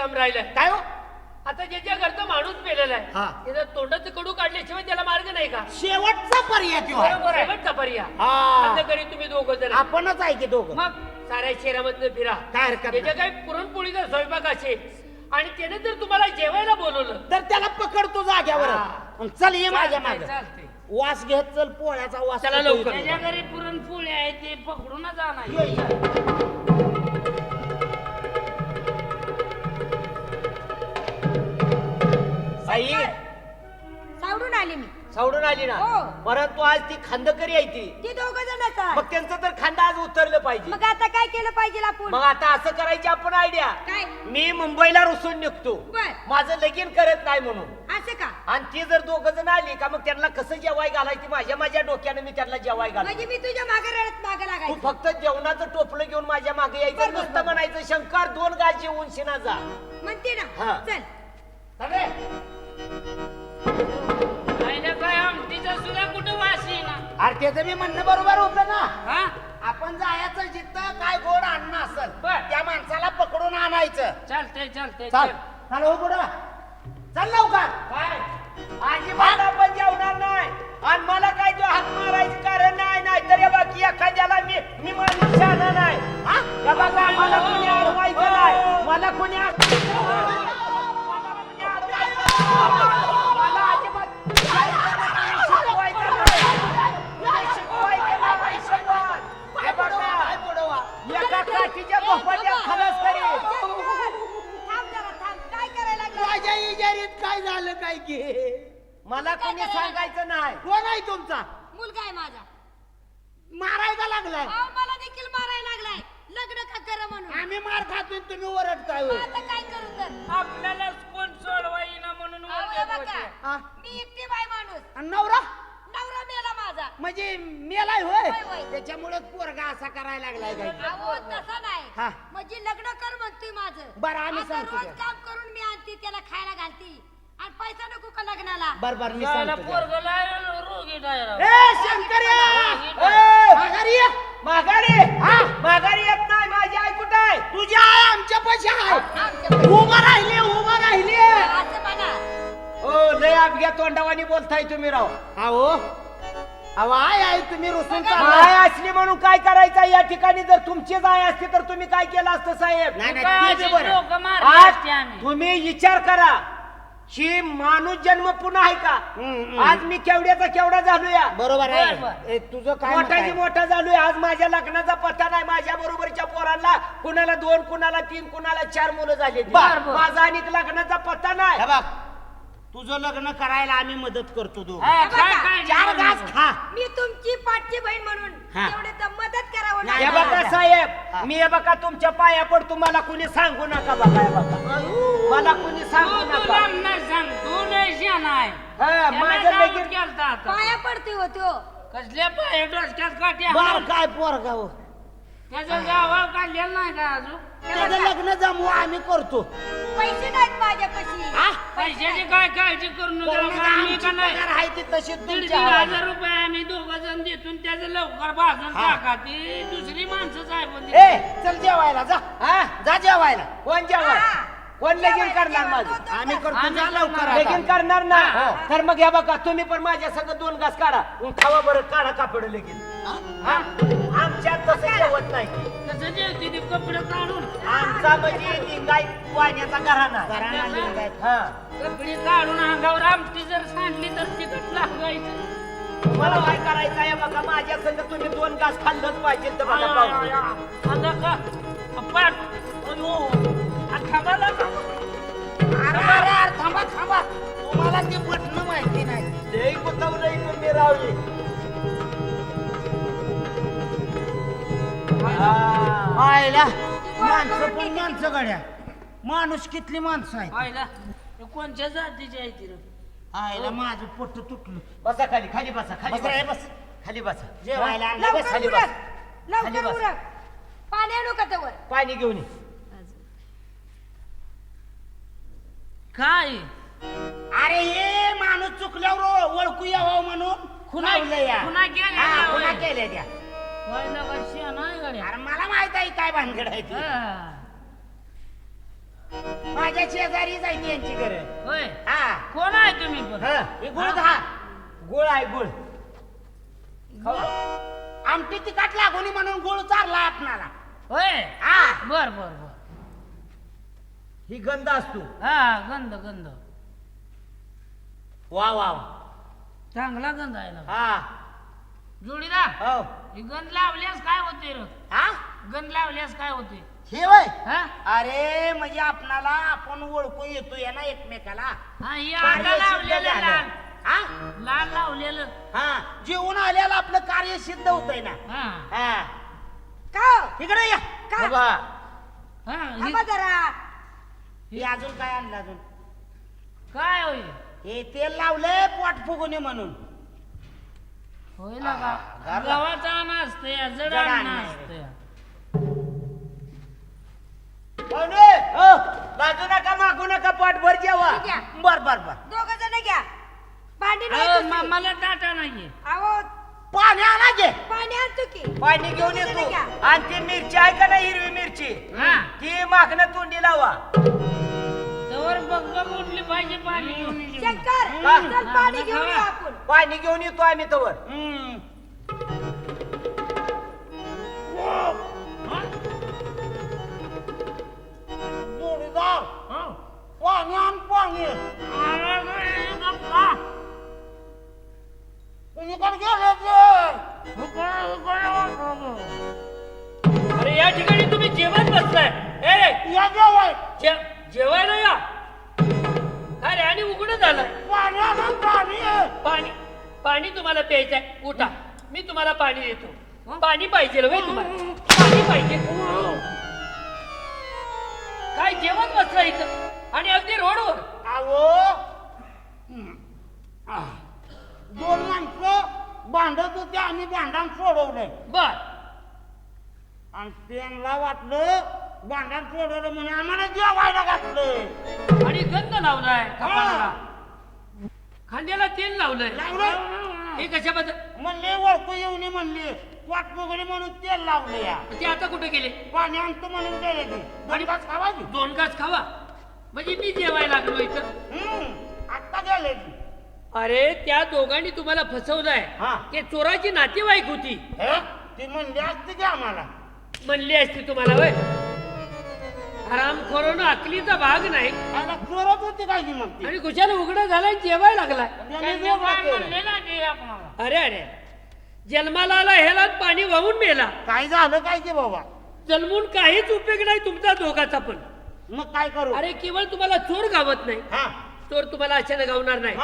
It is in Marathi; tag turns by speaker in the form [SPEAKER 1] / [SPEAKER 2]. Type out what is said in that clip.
[SPEAKER 1] काम राहिलंय.
[SPEAKER 2] काय हो
[SPEAKER 1] आता ज्याच्या घरचा माणूस पेलेला
[SPEAKER 2] हा.
[SPEAKER 1] आहे त्याचा तोंडाचं कडू काढल्याशिवाय त्याला मार्ग नाही का?
[SPEAKER 2] शेवटचा पर्याय तो आहे.
[SPEAKER 1] बरोबर आहे. शेवटचा पर्याय.
[SPEAKER 2] हा.
[SPEAKER 1] आता घरी तुम्ही दोघं जण आहे.
[SPEAKER 2] आपणच आहे की दोघं.
[SPEAKER 1] मग साऱ्या शहरामधनं फिरा.
[SPEAKER 2] काय हरकत
[SPEAKER 1] त्याच्या
[SPEAKER 2] नाही.
[SPEAKER 1] काही पुरणपोळीचा स्वयंपाक असेल आणि त्याने जर तुम्हाला जेवायला बोलवलं
[SPEAKER 2] तर त्याला पकडतो जाग्यावर.
[SPEAKER 1] हा.
[SPEAKER 2] चल ये माझ्या मागे.
[SPEAKER 3] चालते.
[SPEAKER 2] वास घेत चल पोळ्याचा वास.
[SPEAKER 1] चला
[SPEAKER 2] येतो
[SPEAKER 1] लवकर.
[SPEAKER 2] इथं.
[SPEAKER 3] त्याच्या घरी पुरणपोळी आहे ते पकडूनच आणायचं.
[SPEAKER 2] ये, ये.
[SPEAKER 4] आई
[SPEAKER 5] सावडून आले मी.
[SPEAKER 4] सावडून आली ना
[SPEAKER 5] हो.
[SPEAKER 4] परंतु आज ती खांदकरी आहे ती.
[SPEAKER 5] ते दोघ जणच आहे.
[SPEAKER 4] मग त्यांचं तर खांदा आज उतरलं पाहिजे.
[SPEAKER 5] मग आता काय केलं पाहिजे आपण?
[SPEAKER 4] मग आता असं करायची आपण आयडिया.
[SPEAKER 5] काय?
[SPEAKER 4] मी मुंबईला रुसून निघतो.
[SPEAKER 5] बर.
[SPEAKER 4] माझं लगीन करत नाही म्हणून.
[SPEAKER 5] असं का?
[SPEAKER 4] आणि ती जर दोघ जण आली का मग त्यांना कसं जेवाय घालायची माझ्या डोक्यानं मी त्यांना जेवाय घाल.
[SPEAKER 5] म्हणजे मी तुझ्या मागे रडत मागे
[SPEAKER 4] तू
[SPEAKER 5] लागायचं.
[SPEAKER 4] फक्त जेवणाचं टोपलं घेऊन माझ्या मागे यायचं.
[SPEAKER 5] बर, बर,
[SPEAKER 4] नुसतं
[SPEAKER 5] बर.
[SPEAKER 4] म्हणायचं शंकर 2 गाज जेवून शिना जा.
[SPEAKER 5] म्हणते
[SPEAKER 4] हा.
[SPEAKER 5] ना. चल.
[SPEAKER 3] आईला काय आमटीचा सुद्धा कुठं वास येईना.
[SPEAKER 2] अरे त्याचं मी म्हणणं बरोबर होतं ना.
[SPEAKER 3] हा?
[SPEAKER 2] आपण जायचं जिथं काय गोड अन्न असेल
[SPEAKER 3] बर.
[SPEAKER 2] त्या माणसाला पकडून आणायचं.
[SPEAKER 3] चालतंय चालतंय
[SPEAKER 2] चल
[SPEAKER 3] चल.
[SPEAKER 2] चल हो पुढं चल लवकर.
[SPEAKER 4] काय अजिबात आपण जेवणार नाही. आणि मला काय तो हात मारायचं कारण नाही. नाही तर या बाकी एखाद्याला मी माणूस शहाणा नाही.
[SPEAKER 2] हा?
[SPEAKER 4] या बघा मला कोणी अडवायचं नाही. मला कोणी मला अजिबात शिकवायचं नाही. शिकवायचं नाही, शिकवा. हे बघा, एका काठीच्या भोपळ्यात खलास करीन.
[SPEAKER 5] थांब जरा थांब. काय करायला लागला?
[SPEAKER 2] माझ्या इजारीत काय झालं काय की
[SPEAKER 4] मला कोणी सांगायचं नाही.
[SPEAKER 2] कोण आहे तुमचा?
[SPEAKER 5] मुलगा आहे माझा.
[SPEAKER 2] मारायला लागलाय.
[SPEAKER 5] अहो, मला देखील मारायला लागलाय. लग्न का करा म्हणून.
[SPEAKER 2] आम्ही मार खातोय तुम्ही ओरडताय होय.
[SPEAKER 5] आता काय करू तर?
[SPEAKER 3] आपल्याला कोण सोडवा येईना म्हणून
[SPEAKER 5] अहो, हे
[SPEAKER 3] ओरडत
[SPEAKER 5] बघा.
[SPEAKER 3] होते.
[SPEAKER 2] हा?
[SPEAKER 5] मी एकटी बाई माणूस.
[SPEAKER 2] आणि नवरा
[SPEAKER 5] नवरा मेला माझा.
[SPEAKER 2] म्हणजे मेलाय होय.
[SPEAKER 5] होय, होय.
[SPEAKER 2] त्याच्यामुळे पोरगा असा करायला लागलाय काय
[SPEAKER 5] अहो तसा
[SPEAKER 2] हा.
[SPEAKER 5] नाही. म्हणजे लग्न कर म्हणतोय माझं.
[SPEAKER 2] बरं, आम्ही
[SPEAKER 5] आता
[SPEAKER 2] सांगतो
[SPEAKER 5] रोज
[SPEAKER 2] त्या.
[SPEAKER 5] काम करून मी आणते त्याला खायला घालते आणि पैसा नको का लग्नाला?
[SPEAKER 2] बर मी
[SPEAKER 3] त्याला
[SPEAKER 2] सांगतो
[SPEAKER 3] पोरगला रोगी डायरा.
[SPEAKER 2] ए शंकर्या
[SPEAKER 4] ए,
[SPEAKER 2] माघारी ये.
[SPEAKER 4] माघारी
[SPEAKER 2] हा?
[SPEAKER 4] माघारी येत नाही. माझी आई कुठं आहे?
[SPEAKER 2] तुझी आई आमच्या पैसे आहे.
[SPEAKER 5] आमच्या
[SPEAKER 2] उभा राहिले उभा राहिले.
[SPEAKER 5] असं म्हणा.
[SPEAKER 4] ओ लय अपघ्या तोंडावानी बोलताय तुम्ही राव.
[SPEAKER 2] अहो अहो आहे तुम्ही रुसून
[SPEAKER 4] माय
[SPEAKER 2] चालला.
[SPEAKER 4] असली म्हणून काय करायचं या ठिकाणी? जर तुमचीच आई असती तर तुम्ही काय केलं असतं साहेब?
[SPEAKER 2] नाही, नाही,
[SPEAKER 3] काय
[SPEAKER 2] ते
[SPEAKER 3] अशी
[SPEAKER 2] बरं.
[SPEAKER 3] लोकं मारली
[SPEAKER 4] आज
[SPEAKER 3] असती आम्ही.
[SPEAKER 4] तुम्ही विचार करा ही माणूस जन्म पुन्हा आहे का? आज मी केवढ्याचा केवढा झालोया.
[SPEAKER 2] बरोबर
[SPEAKER 3] बर,
[SPEAKER 2] आहे.
[SPEAKER 3] बर.
[SPEAKER 2] ए, तुझं काय मत
[SPEAKER 4] मोठाची
[SPEAKER 2] आहे?
[SPEAKER 4] मोठा झालोय. आज माझ्या लग्नाचा पत्ता नाही. माझ्या बरोबरच्या पोरांना कुणाला 2 कुणाला 3 कुणाला 4 मुलं झाली.
[SPEAKER 2] बर, बर.
[SPEAKER 4] माझा आणि लग्नाचा पत्ता नाही.
[SPEAKER 2] हे बघ तुझं लग्न करायला आम्ही मदत करतो तू.
[SPEAKER 3] हा, काय काय
[SPEAKER 2] चार
[SPEAKER 3] नाही
[SPEAKER 2] घास खा.
[SPEAKER 5] मी तुमची पाठची बहीण म्हणून
[SPEAKER 2] हा.
[SPEAKER 5] तेवढे तर मदत करावं
[SPEAKER 2] नाही,
[SPEAKER 4] हे
[SPEAKER 5] लागेल.
[SPEAKER 4] बघा
[SPEAKER 2] हा.
[SPEAKER 4] साहेब मी हे बघा तुमच्या पाया पडतो. मला कुणी सांगू नका. बघा हे बघा मला कुणी सांगू
[SPEAKER 3] तू
[SPEAKER 4] नका.
[SPEAKER 3] तुला नाही सांग. तू लय शहाणा आहे.
[SPEAKER 4] हा,
[SPEAKER 3] त्याला
[SPEAKER 4] माझं
[SPEAKER 3] जाऊन
[SPEAKER 4] लगीन
[SPEAKER 3] केलता आता.
[SPEAKER 5] पाया पडते होतो.
[SPEAKER 3] कसल्या पाय डोसक्यात काठी
[SPEAKER 2] बर
[SPEAKER 3] हाणून.
[SPEAKER 2] काय पोरगा हो.
[SPEAKER 3] त्याचं गावाला काढलेलं नाही का अजून?
[SPEAKER 2] त्याचं लग्न जमवू आम्ही करतो.
[SPEAKER 5] पैसे नाहीत माझ्यापाशी.
[SPEAKER 2] हा?
[SPEAKER 3] पैशाची काय काळजी करू नका.
[SPEAKER 2] करू नका,
[SPEAKER 3] आम्ही
[SPEAKER 2] आमची
[SPEAKER 3] का नाही
[SPEAKER 2] पगार आहे ती तशी
[SPEAKER 3] 1,500
[SPEAKER 2] तुमच्या हातात.
[SPEAKER 3] 1,000 रुपये आम्ही 2 जण देतून त्याचं लवकर भाजून
[SPEAKER 2] हा.
[SPEAKER 3] टाका. ती दुसरी माणसं साहेब
[SPEAKER 2] ए चल जेवायला जा.
[SPEAKER 4] हा
[SPEAKER 2] जा जेवायला.
[SPEAKER 4] कोण जेवण?
[SPEAKER 5] हा.
[SPEAKER 4] कोण लगीन
[SPEAKER 5] जेवायला,
[SPEAKER 4] करणार
[SPEAKER 5] जेवायला.
[SPEAKER 4] माझं?
[SPEAKER 5] तो- तो-
[SPEAKER 2] आम्ही
[SPEAKER 5] तो-
[SPEAKER 2] करतो
[SPEAKER 3] आम्ही
[SPEAKER 2] जा लवकर
[SPEAKER 3] करणार.
[SPEAKER 2] आता.
[SPEAKER 4] लगीन करणार ना?
[SPEAKER 3] हा.
[SPEAKER 4] तर मग या बघा तुम्ही पण माझ्या संग 2 घास काढा. खावा बरं काढा कापड लगीन. हा? आमच्यात तसं जेवत नाही.
[SPEAKER 3] तसं जेवते ते कपडे काढून
[SPEAKER 4] आमचा म्हणजे निघाय वाण्याचा घराणा.
[SPEAKER 2] घराणा लिंगायत.
[SPEAKER 4] हा
[SPEAKER 3] कपडे काढून अंगावर आमटी जर सांडली तर तिकट लागायचं.
[SPEAKER 4] मला काय करायचं आहे बघा माझ्या संग तुम्ही 2 घास खाल्लंच पाहिजे. तर बघा पाहून.
[SPEAKER 3] आता का पाठ अयो थांबा लागा.
[SPEAKER 2] अरे अरे अरे थांबा थांबा. तुम्हाला ते पटणं माहिती नाही.
[SPEAKER 4] लई कुतवलंय तुम्ही रावली. हा.
[SPEAKER 2] आयला माणसं पण माणसं गड्या. माणूस कितली माणसं आहेत.
[SPEAKER 3] पाहिला हे कोणत्या जातीची आहे ती रे?
[SPEAKER 2] आयला माझं पोट तुटलं.
[SPEAKER 4] बसा खाली खाली बसा खाली
[SPEAKER 2] बस रे,
[SPEAKER 4] बसा.
[SPEAKER 2] बस.
[SPEAKER 4] खाली बसा.
[SPEAKER 2] जेवायला आणलं बस.
[SPEAKER 5] लवकर
[SPEAKER 4] खाली
[SPEAKER 5] उरक.
[SPEAKER 4] खाली
[SPEAKER 5] लवकर
[SPEAKER 4] बस.
[SPEAKER 5] उरक. पाणी आणू का त्यावर?
[SPEAKER 4] पाणी घेऊन ये.
[SPEAKER 3] काय
[SPEAKER 2] अरे हे माणूस चुकल्यावर ओळखू यावं म्हणून लावलं या.
[SPEAKER 3] खुना केल्या
[SPEAKER 2] हा,
[SPEAKER 3] त्या
[SPEAKER 2] खुना
[SPEAKER 3] होय.
[SPEAKER 2] केल्या त्या.
[SPEAKER 3] पाहिला का शिया नाही गड्या?
[SPEAKER 2] अरे मला माहित आहे काय भानगड आहे ती.
[SPEAKER 3] हा.
[SPEAKER 2] माझ्या माझ्या शेजारी जायची यांची घर.
[SPEAKER 3] होय
[SPEAKER 2] हा
[SPEAKER 3] कोण आहे तुम्ही पण
[SPEAKER 2] हा, हे गुळ खा.
[SPEAKER 4] गुळ आहे गुळ.
[SPEAKER 2] आमटी तिखट लागून म्हणून गुळ चारला आपणाला.
[SPEAKER 3] होय
[SPEAKER 2] हा
[SPEAKER 3] बर बर बर
[SPEAKER 4] ही गंध असतो.
[SPEAKER 3] हा गंध गंध
[SPEAKER 2] वा वा
[SPEAKER 3] चांगला गंध आहे ना
[SPEAKER 2] हा
[SPEAKER 3] जोडीदार
[SPEAKER 2] हो
[SPEAKER 3] ही गंध लावल्यास काय होते रे
[SPEAKER 2] हा
[SPEAKER 3] गंध लावल्यास काय होते
[SPEAKER 2] हे वय
[SPEAKER 3] हा
[SPEAKER 2] अरे म्हणजे आपणाला आपण ओळखू येतोय ना एकमेकाला.
[SPEAKER 3] हा ही आता
[SPEAKER 2] कार्य सिद्ध
[SPEAKER 3] लावलेलं
[SPEAKER 2] झालं.
[SPEAKER 3] लाल
[SPEAKER 2] हा
[SPEAKER 3] लाल लावलेलं
[SPEAKER 2] हा जेवून आल्याला आपलं कार्य सिद्ध होतंय ना.
[SPEAKER 3] हा
[SPEAKER 2] हा
[SPEAKER 5] का
[SPEAKER 2] इकडे या
[SPEAKER 5] का
[SPEAKER 2] बाबा.
[SPEAKER 3] हा
[SPEAKER 5] थांबा जरा.
[SPEAKER 2] हे अजून काय आणलं अजून
[SPEAKER 3] काय होय
[SPEAKER 2] हे तेल लावलंय पोट फुगून म्हणून.
[SPEAKER 3] होय ना का
[SPEAKER 2] घरला.
[SPEAKER 3] गव्हाचा अन्न असते जड
[SPEAKER 2] जड
[SPEAKER 3] अन्न
[SPEAKER 2] अन्न आहे.
[SPEAKER 3] असते
[SPEAKER 4] पाहुणे हो लाजू नका मागू नका पोटभर जेवा.
[SPEAKER 5] ठीक आहे.
[SPEAKER 2] बर बर बर
[SPEAKER 5] दोघ जण घ्या. भांडी नाही
[SPEAKER 3] अहो,
[SPEAKER 5] दुसरी.
[SPEAKER 3] मला टाटा नाहीये
[SPEAKER 5] अहो
[SPEAKER 2] पाणी आणा घे.
[SPEAKER 5] पाणी आणतो की.
[SPEAKER 4] पाणी घेऊन
[SPEAKER 5] दोघं जण
[SPEAKER 4] येतो.
[SPEAKER 5] घ्या.
[SPEAKER 4] आणि ती मिरची आहे का नाही हिरवी मिरची
[SPEAKER 3] हा
[SPEAKER 4] ती मागणं तोंडी लावा.
[SPEAKER 3] तवर बघ बघ उठली पाहिजे पाणी घेऊन ये.
[SPEAKER 5] शंकर
[SPEAKER 4] का?
[SPEAKER 5] चल पाणी घेऊन येऊ आपण.
[SPEAKER 4] पाणी घेऊन येतो आम्ही तवर.
[SPEAKER 2] हम्म.
[SPEAKER 3] हा?
[SPEAKER 2] जोडीदार
[SPEAKER 3] हो.
[SPEAKER 2] पाणी आण पाणी.
[SPEAKER 3] अरे गप्पा.
[SPEAKER 2] कुणीकडे गेले ते?
[SPEAKER 3] उकळ, उकळ, उकळ.
[SPEAKER 1] अरे या ठिकाणी तुम्ही जेवण बसलाय. ए
[SPEAKER 2] या जेवाय
[SPEAKER 1] जेवायला या. काय रे आणि उघडं झालं.
[SPEAKER 2] पाणी आणा पाणी.
[SPEAKER 1] पाणी पाणी तुम्हाला प्यायचंय. उठा मी तुम्हाला पाणी देतो. पाणी पाहिजे होय तुम्हाला. पाणी पाहिजे. काय जेवण बसलं इथं आणि अगदी रोडवर.
[SPEAKER 2] अहो दोन माणसं भांडत होते आम्ही भांडण सोडवलंय
[SPEAKER 1] बर
[SPEAKER 2] आणि त्यांना वाटलं भांडण सोडवलं म्हणून आम्हाला जेवायला घातलं.
[SPEAKER 1] आणि गंध लावलाय कपाळाला. खांद्याला तेल लावलंय.
[SPEAKER 2] लावलं
[SPEAKER 1] हे कशाबद्दल.
[SPEAKER 2] म्हणले ओळखू येऊन म्हणले वाट वगैरे म्हणून तेल लावलं या.
[SPEAKER 1] ते आता कुठे गेले.
[SPEAKER 2] पाणी आणतो म्हणून गेले ते.
[SPEAKER 1] आणि
[SPEAKER 2] गणितात खावायची.
[SPEAKER 1] 2 घास खावा म्हणजे मी जेवायला लागलो इथं.
[SPEAKER 2] आत्ता गेले ती.
[SPEAKER 1] अरे त्या दोघांनी तुम्हाला फसवलंय.
[SPEAKER 2] हा.
[SPEAKER 1] ते चोराची नातेवाईक होती.
[SPEAKER 2] हे ती म्हणली असते की आम्हाला.
[SPEAKER 1] म्हणली असती तुम्हाला वय. हरामखोरानं अकलीचा भाग नाही
[SPEAKER 2] आम्हाला चोरत होती काय की मग ती.
[SPEAKER 1] आणि कुशाला उघडा झाला आणि जेवायला लागलाय.
[SPEAKER 2] त्यांनी
[SPEAKER 3] त्यांनी
[SPEAKER 2] वेगळं
[SPEAKER 3] काय
[SPEAKER 2] केलं.
[SPEAKER 3] म्हणले ना ते आपणाला
[SPEAKER 1] अरे अरे जन्माला आला ह्याला पाणी वाहून मेला.
[SPEAKER 2] काय झालं काय की बाबा.
[SPEAKER 1] जन्मून काहीच उपयोग नाही तुमचा दोघाचा पण.
[SPEAKER 2] मग काय करू.
[SPEAKER 1] अरे केवळ तुम्हाला चोर गावत नाही.
[SPEAKER 2] हा
[SPEAKER 1] चोर तुम्हाला अचानक गावणार नाही.